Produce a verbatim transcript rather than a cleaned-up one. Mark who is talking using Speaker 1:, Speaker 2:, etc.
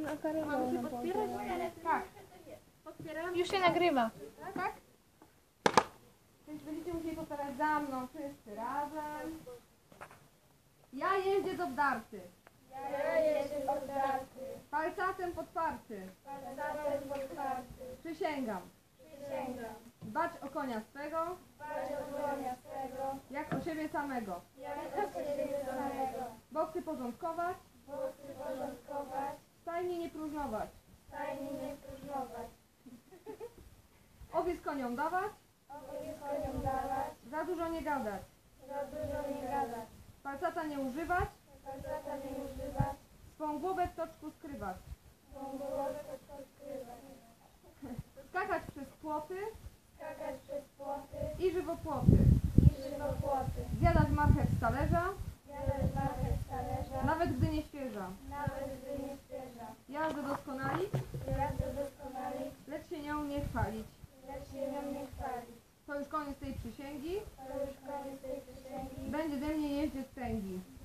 Speaker 1: na karę.
Speaker 2: Mamy się podpierać? Tak.
Speaker 1: Podpieram. Już się nagrywa.
Speaker 2: Tak? Więc będziecie musieli powtarzać za mną wszyscy razem. Ja jeździec obdarty.
Speaker 3: Ja jestem obdarty,
Speaker 2: Palcatem podparty.
Speaker 3: palcatem podparty.
Speaker 2: Przysięgam.
Speaker 3: Przysięgam,
Speaker 2: Dbać o konia swego,
Speaker 3: dbać o konia swego,
Speaker 2: jak o siebie samego.
Speaker 3: jak o siebie samego.
Speaker 2: Boksy porządkować,
Speaker 3: Boksy porządkować,
Speaker 2: stajnie nie próżnować.
Speaker 3: stajnie nie próżnować.
Speaker 2: Owiec koniom dawać,
Speaker 3: Owiec koniom dawać,
Speaker 2: za dużo nie gadać.
Speaker 3: za dużo nie gadać.
Speaker 2: Palcata nie używać,
Speaker 3: Palcata nie używać,
Speaker 2: swą głowę w toczku skrywać.
Speaker 3: swą głowę skrywać.
Speaker 2: Skakać przez płoty
Speaker 3: Skakać przez płoty
Speaker 2: i żywopłoty.
Speaker 3: i żywopłoty.
Speaker 2: Zjadać marchew z talerza,
Speaker 3: Jadać marchew z talerza,
Speaker 2: nawet gdy nie świeża.
Speaker 3: nawet gdy nie świeża.
Speaker 2: Jazdę doskonalić,
Speaker 3: Jazdę doskonalić,
Speaker 2: lecz się nią nie chwalić.
Speaker 3: lecz się nią nie chwalić.
Speaker 2: To już koniec tej przysięgi.
Speaker 3: To już koniec tej przysięgi.
Speaker 2: Będzie ze mnie jeździec tęgi.